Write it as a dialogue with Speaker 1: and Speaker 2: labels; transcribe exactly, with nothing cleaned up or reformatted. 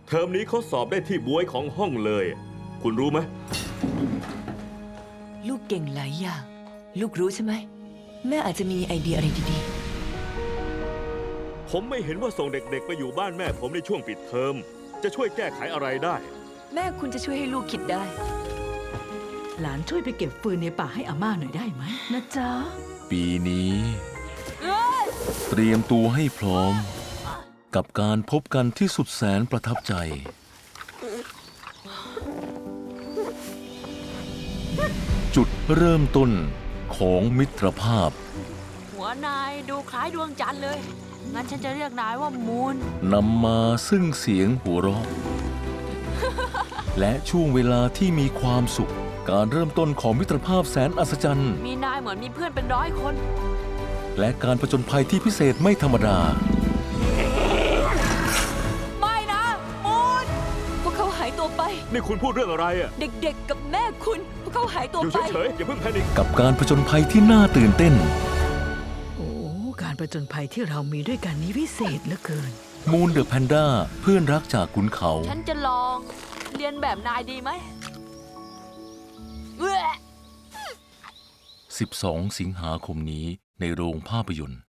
Speaker 1: เทอมนี้เขาสอบได้ที่บ๊วยของห้องเลย คุณรู้ไหม
Speaker 2: ลูกเก่งหลายอย่าง ลูกรู้ใช่ไหม แม่อาจจะมีไอเดียอะไรดี
Speaker 1: ผมไม่เห็นว่าส่งเด็กๆไปอยู่บ้านแม่ผมในช่วงปิดเทอม จะช่วยแก้ไขอะไรได้
Speaker 2: ๆ แม่คุณจะช่วยให้ลูกคิดได้
Speaker 3: หลานช่วยไปเก็บฟืนในป่าให้อาม่าหน่อยได้ไหมนะจ๊ะ
Speaker 4: ปีนี้เตรียมตัวให้พร้อม กับการพบกันที่สุดแสนประทับใจ จุดเริ่มต้นของมิตรภาพ
Speaker 5: หัวนายดูคล้ายดวงจันทร์เลย งั้นฉันจะเรียกนายว่ามูน
Speaker 4: นำมาซึ่งเสียงหัวเราะ และช่วงเวลาที่มีความสุข การเริ่มต้นของมิตรภาพแสนอัศจรรย์
Speaker 5: มีนายเหมือนมีเพื่อนเป็นร้อยคน
Speaker 4: และการผจญภัยที่พิเศษไม่ธรรมดา
Speaker 5: ไม่นะมูน
Speaker 2: พวกเขาหายตัวไป
Speaker 1: นี่คุณพูดเรื่องอะไรอ่ะ
Speaker 2: เด็กๆ กับแม่คุณ พวกเขาหายตัว
Speaker 1: อยู่
Speaker 2: ไป
Speaker 1: เฉยๆอย่าเพิ่งแพนิค
Speaker 4: กับการผจญภัยที่น่าตื่นเต้น
Speaker 3: โอ้ การประจนภัยที่เรามีด้วยกันนี้พิเศษเหลือเกิน
Speaker 4: มูนเดอะแพนด้าเพื่อนรักจากขุนเขา
Speaker 5: ฉันจะลองเรียนแบบนายดีไหมเว้ย
Speaker 4: สิบสอง สิงหาคมนี้ในโรงภาพยนตร์